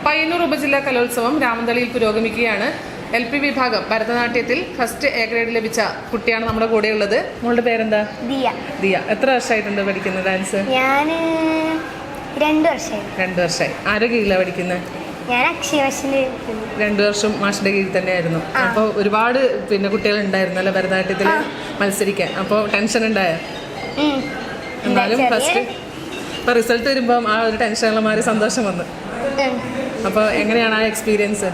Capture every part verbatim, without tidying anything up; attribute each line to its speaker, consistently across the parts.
Speaker 1: പയ്യന്നൂർ ഉപജില്ലാ കലോത്സവം രാമന്തളിയിൽ പുരോഗമിക്കുകയാണ്. എൽ പി വിഭാഗം ഭരതനാട്യത്തിൽ ഫസ്റ്റ് എ ഗ്രേഡ് ലഭിച്ച കുട്ടിയാണ് നമ്മുടെ കൂടെ ഉള്ളത്. മോളുടെ പേരെന്താ?
Speaker 2: ദിയ.
Speaker 1: ദിയ എത്ര വർഷമായിട്ടുണ്ട് പഠിക്കുന്നത് ഡാൻസ്?
Speaker 2: ഞാൻ രണ്ട് വർഷമായി.
Speaker 1: രണ്ട് വർഷമായി. ആരുടെ കീഴിലാണ് പഠിക്കുന്നത്?
Speaker 2: ഞാൻ അക്ഷയവശിന്റെ
Speaker 1: രണ്ടു വർഷം മാഷിന്റെ കീഴിൽ തന്നെയായിരുന്നു. അപ്പോൾ ഒരുപാട് പിന്നെ കുട്ടികൾ ഉണ്ടായിരുന്നു അല്ലെ ഭരതനാട്യത്തിൽ മത്സരിക്കാൻ. അപ്പോൾ ടെൻഷൻ ഉണ്ടായ? എന്നാലും ഫസ്റ്റ് ഇപ്പൊ റിസൾട്ട് വരുമ്പോൾ ആ ഒരു ടെൻഷനെല്ലാം മാറി സന്തോഷം വന്നു. അപ്പോൾ എങ്ങനെയാണ് ആ എക്സ്പീരിയൻസ്?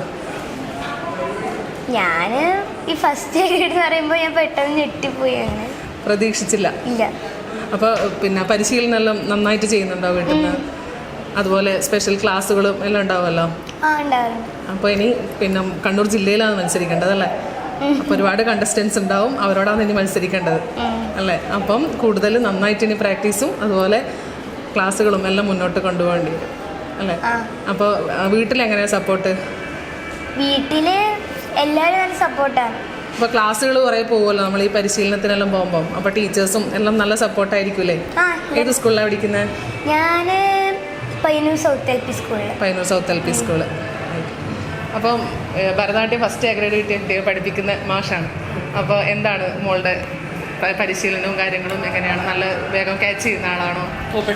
Speaker 2: ഞാൻ ഈ ഫസ്റ്റ് ഗ്രേഡ് എന്ന് പറയുമ്പോൾ ഞാൻ പെട്ടെന്ന് ഞെട്ടിപ്പോയി. അങ്ങനെ
Speaker 1: പ്രതീക്ഷിച്ചില്ല?
Speaker 2: ഇല്ല.
Speaker 1: അപ്പോൾ പിന്നെ പരിശീലനം എല്ലാം നന്നായിട്ട് ചെയ്യുന്നുണ്ടോ വീട്ടിൽ നിന്ന്? അതുപോലെ സ്പെഷ്യൽ ക്ലാസ്സുകളും എല്ലാം ഉണ്ടാവുമല്ലോ?
Speaker 2: ആ, ഉണ്ടാവാറുണ്ട്.
Speaker 1: അപ്പോൾ ഇനി പിന്നെ കണ്ണൂർ ജില്ലയിലാണ് മത്സരിക്കേണ്ടതല്ലേ? അപ്പോൾ ഒരുപാട് കണ്ടസ്റ്റൻസ് ഉണ്ടാവും, അവരോടാണ് ഇനി മത്സരിക്കേണ്ടത് അല്ലേ? അപ്പം കൂടുതൽ നന്നായിട്ട് ഇനി പ്രാക്ടീസും അതുപോലെ ക്ലാസ്സുകളും എല്ലാം മുന്നോട്ട് കൊണ്ടുപോകേണ്ടി വരും അല്ലേ? അപ്പോൾ വീട്ടിലെങ്ങനെയാണ് സപ്പോർട്ട്?
Speaker 2: വീട്ടില് എല്ലാവരും നല്ല സപ്പോർട്ടാണ്.
Speaker 1: അപ്പോൾ ക്ലാസ്സുകൾ കുറേ പോകുമല്ലോ നമ്മൾ ഈ പരിശീലനത്തിനെല്ലാം പോകുമ്പോൾ. അപ്പോൾ ടീച്ചേഴ്സും എല്ലാം നല്ല സപ്പോർട്ടായിരിക്കൂലേ? ഏത് സ്കൂളിലാണ് പഠിക്കുന്നത്?
Speaker 2: ഞാൻ പയ്യന്നൂർ സൗത്ത് എൽ പി സ്കൂളിൽ.
Speaker 1: Payyanur south L P school. അപ്പം ഭരതനാട്യം ഫസ്റ്റ് എ ഗ്രേഡ് കിട്ടിയ കുട്ടിയെ പഠിപ്പിക്കുന്ന മാഷാണ്. അപ്പോൾ എന്താണ് മോളുടെ പരിശീലനവും കാര്യങ്ങളും എങ്ങനെയാണ്? നല്ല വേഗം ക്യാച്ച് ചെയ്യുന്ന ആളാണോ?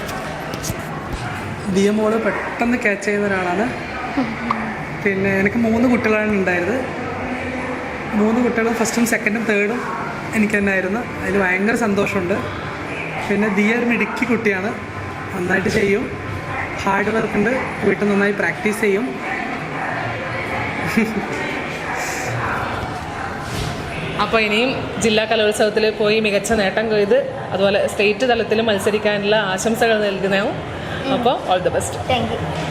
Speaker 3: ദിയ മോള് പെട്ടെന്ന് ക്യാച്ച് ചെയ്യുന്ന ഒരാളാണ്. പിന്നെ എനിക്ക് മൂന്ന് കുട്ടികളാണ് ഉണ്ടായിരുന്നത്. മൂന്ന് കുട്ടികളും ഫസ്റ്റും സെക്കൻഡും തേർഡും എനിക്ക് തന്നെ ആയിരുന്നു. അതിൽ ഭയങ്കര സന്തോഷമുണ്ട്. പിന്നെ ദിയ ഒരു മിടുക്കി കുട്ടിയാണ്, നന്നായിട്ട് ചെയ്യും, ഹാർഡ് വർക്ക് ഉണ്ട്, വീട്ടിൽ നന്നായി പ്രാക്ടീസ് ചെയ്യും.
Speaker 1: അപ്പോൾ ഇനിയും ജില്ലാ കലോത്സവത്തിൽ പോയി മികച്ച നേട്ടം കൊയ്ത് അതുപോലെ സ്റ്റേറ്റ് തലത്തിൽ മത്സരിക്കാനുള്ള ആശംസകൾ നൽകുന്നു. അപ്പോൾ all the best.
Speaker 2: Thank U.